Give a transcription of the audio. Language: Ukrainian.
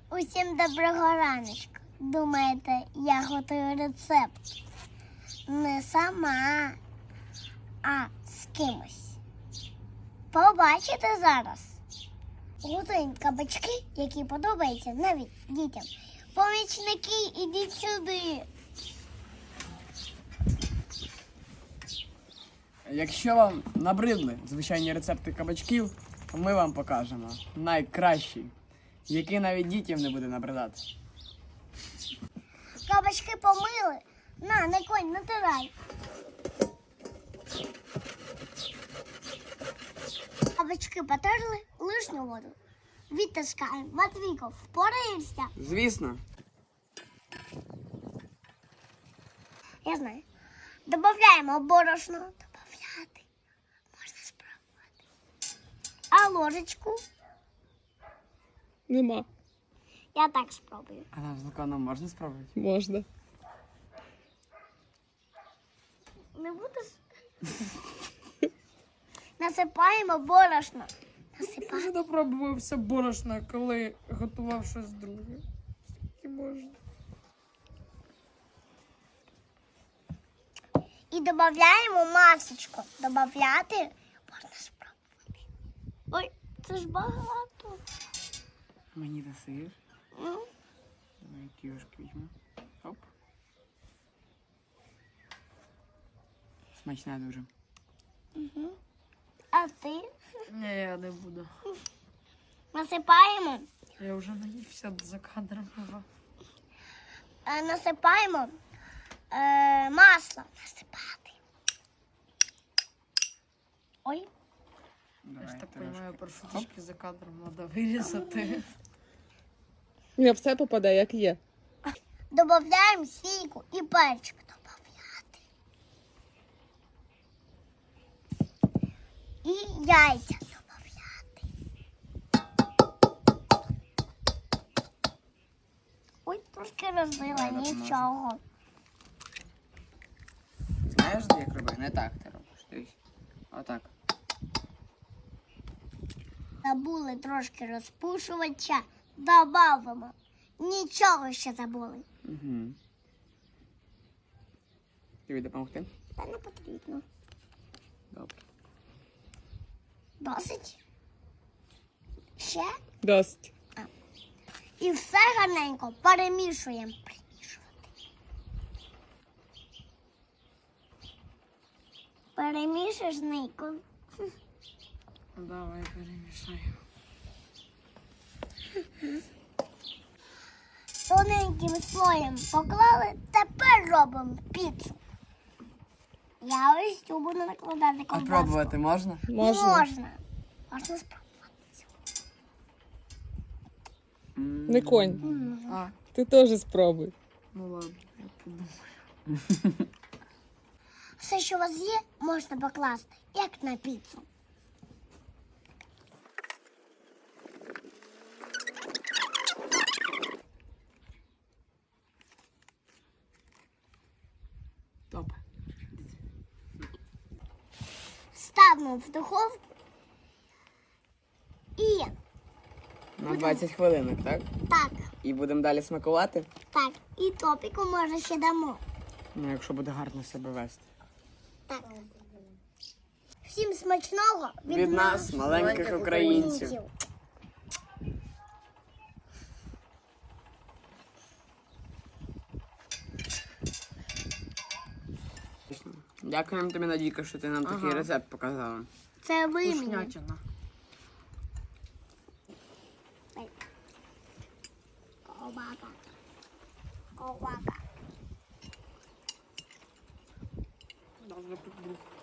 Усім доброго раночку. Думаєте, я готую рецепт не сама, а з кимось. Побачите зараз. Готуємо кабачки, які подобаються навіть дітям. Помічники, ідіть сюди. Якщо вам набридли звичайні рецепти кабачків, то ми вам покажемо найкращий, який навіть дітям не буде набридати. Кабачки помили. На, не конь, натирай. Кабачки потерли, лишню воду відтискаємо. Матвійко, впораєшся? Звісно. Я знаю. Добавляємо борошно. Добавляти. Можна спробувати. А ложечку? Нема. Я так спробую. А нам з Луканом можна спробувати? Можна. Не будеш? Насипаємо борошно. Я вже допробувався борошна, коли готував щось друге. Скільки можна. І додаємо масочку. Добавляти можна спробувати. Ой, це ж багато. Мені досиш. Ну, Давай кіошки візьму. Оп. Смачна дуже. а ти? Ні, я не буду. Насипаємо. Я вже наївся за кадром. Насипаємо масло. Насипати. Ой. Я ж Давай, так трошки. розумію, паршуточки за кадром треба вирізати. Не, все попадає, як є. Добавляємо сільку і перчик. Добавляти. І яйця добавляти. Ой, трошки розбила, Давай, допоможу. нічого. Знаєш, як робити? Не так ти робиш. Дивись. Отак. Забули трошки розпушувача. Добавимо. Нічого ще забули. Угу. Тобі допомогти? Та не потрібно. Добре. Досить? Ще? Досить. І все гарненько перемішуємо. Примішувати. Перемішуєш, Нико. Давай перемішаємо. Тоненьким слоєм поклали, тепер робимо піцу. Я ось цю буду накладати А ковбаску. пробувати можна? Можна. Можна. Можна спробувати. Не конь. А, Ти теж спробуй. ну ладно, я подумаю. Все, що у вас є, можна покласти, як на піцу. Топ. Ставимо в духовку і На 20 хвилинок, так? так, І будемо далі смакувати? так. І топіку може ще дамо. Ну, якщо буде гарно себе вести. Так. Всім смачного Від нас, маленьких українців. Дякуємо тобі, Надійка, що ти нам такий рецепт показала. Це ви мені. Вкуснятина. Ковбака. Ковбака. Даже прикрив.